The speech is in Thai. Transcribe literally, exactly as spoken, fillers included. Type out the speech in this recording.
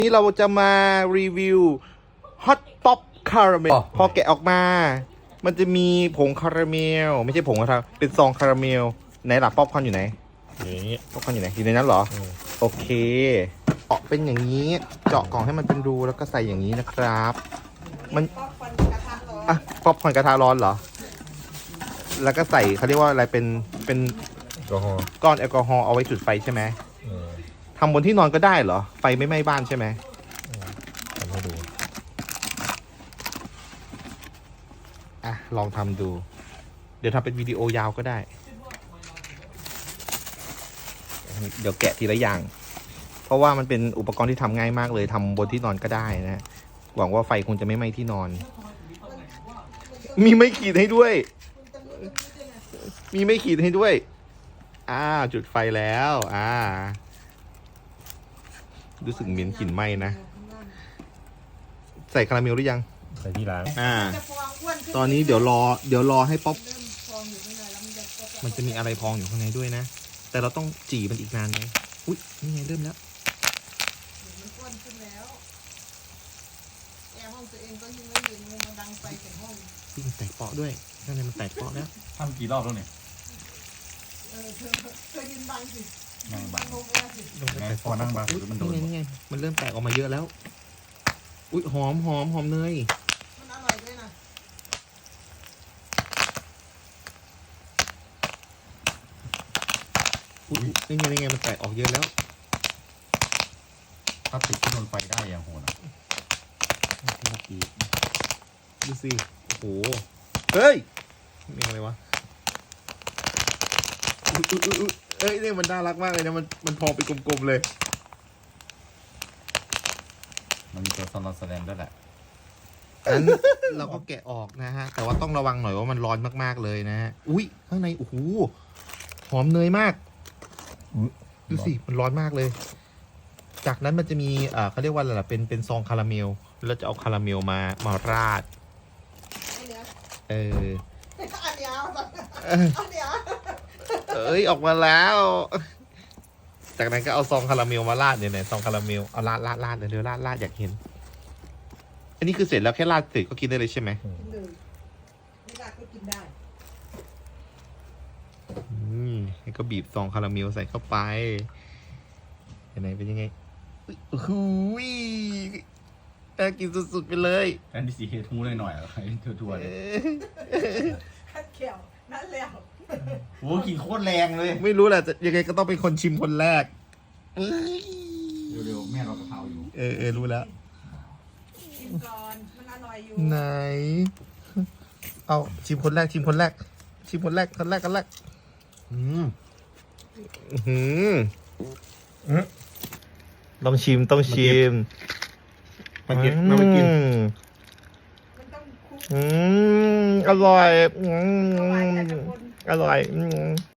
นี่เราจะมารีวิวฮอตป๊อปคาราเมลพอแกะออกมา มันจะมีผงคาราเมลไม่ใช่ผงคาราเป็นซองคาราเมลไหนล่ะป๊อปคอร์นอยู่ไหนนี่ป๊อปคอร์นอยู่ไหนอยู่ในนั้นเหรอโอเคเจาะเป็นอย่างนี้เจาะกล่องให้มันเป็นรูแล้วก็ใส่อย่างนี้นะครับมันอ่ะป๊อปคอร์นกระทะร้อนเหรอแล้วก็ใส่เขาเรียกว่าอะไรเป็นเป็นก้อนแอลกอฮอล์เอาไว้จุดไฟใช่ไหมทำบนที่นอนก็ได้เหรอไฟไม่ไหม้บ้านใช่ไหมทำให้ดูอ่ะลองทำดูเดี๋ยวทำเป็นวิดีโอยาวก็ได้เดี๋ยวแกะทีละอย่างเพราะว่ามันเป็นอุปกรณ์ที่ทำง่ายมากเลยทำบนที่นอนก็ได้นะหวังว่าไฟคงจะไม่ไหม้ที่นอนมีไม่ขีดให้ด้วยมีไม่ขีดให้ด้วยอ่าจุดไฟแล้วอ่ารู้สึกเหม็นกลิ่นไหม้นะใส่คาราเมลหรือยังใส่ที่ร้านอ่าตอนนี้เดี๋ยวรอเดี๋ยวรอให้ป๊อปมันจะมีอะไรพองอยู่ข้างในด้วยนะแต่เราต้องจี่มันอีกนานไหมอุ๊ยนี่ไงเริ่มแล้วมันอ้วนขึ้นแล้วแอร์ห้องตัวเองก็ยิ่งไม่เย็นมันดังไฟแต่ห้องยิ่งแตกเปาะด้วยข้างในมันแตกเปาะแล้วทำกี่รอบแล้วเนี่ยเออเธอเธอยืนบังสินั่งบังลงไปสิลงไปพอนั่งบังมันโดนนี่ไงมันเริ่มแตกออกมาเยอะแล้วอุ๊ยหอมหอมหอมเนยมันอร่อยด้วยนะอุ๊ยนี่ไงนี่ไงมันแตกออกเยอะแล้วถ้าติดที่โดนไฟได้อย่างโหดอ่ะดูสิโอ้โหเฮ้ยนี่อะไรวะอุ๊ยอุ๊ยอุ๊ยเอ้ยนี่มันน่ารักมากเลยนะมันมันพองเป็นกลมๆเลยมันมีตัวสโลว์แสดงด้วยแหละนั้นเราก็แกะออกนะฮะแต่ว่าต้องระวังหน่อยว่ามันร้อนมากๆเลยนะฮะอุ้ยข้างในโอ้โหหอมเนยมากดูสิมันร้อนมากเลยจากนั้นมันจะมีอ่าเขาเรียกว่าอะไรล่ะเป็นเป็นซองคาราเมลแล้วจะเอาคาราเมลมามาราดเอออันเดียวอันเดียวเอ้ยออกมาแล้วจากนั้นก็เอาซองคาราเมลมาราดเนี่ยเนี่ยซองคาราเมลเอาราดราดราดเร็วราดราดอยากเห็นอันนี้คือเสร็จแล้วแค่ราดเสร็จก็กินได้เลยใช่ไหมกินเลยไม่ได้ก็กินได้อืมแล้วก็บีบซองคาราเมลใส่เข้าไปยังไงเป็นยังไงอุ้ยน่ากินสุดๆไปเลยอันที่สีเฮทูหน่อยหน่อยอะไรทั่วๆเลยขัดเขียวนั่นแล้วโอ้กินโคตรแรงเลยไม่รู้แหละยังไงก็ต้องเป็นคนชิมคนแรกเร็วๆแม่เรากะเพราอยู่เออเออรู้แล้วชิมก่อนมันอร่อยอยู่ไหนเอาชิมคนแรกชิมคนแรกชิมคนแรกคนแรกคนแรกอืมอืมต้องชิมต้องชิมมากินมาไปกินมันต้องคุกอืมอร่อยอือร่อยมแต่ละคนอร่อยอืม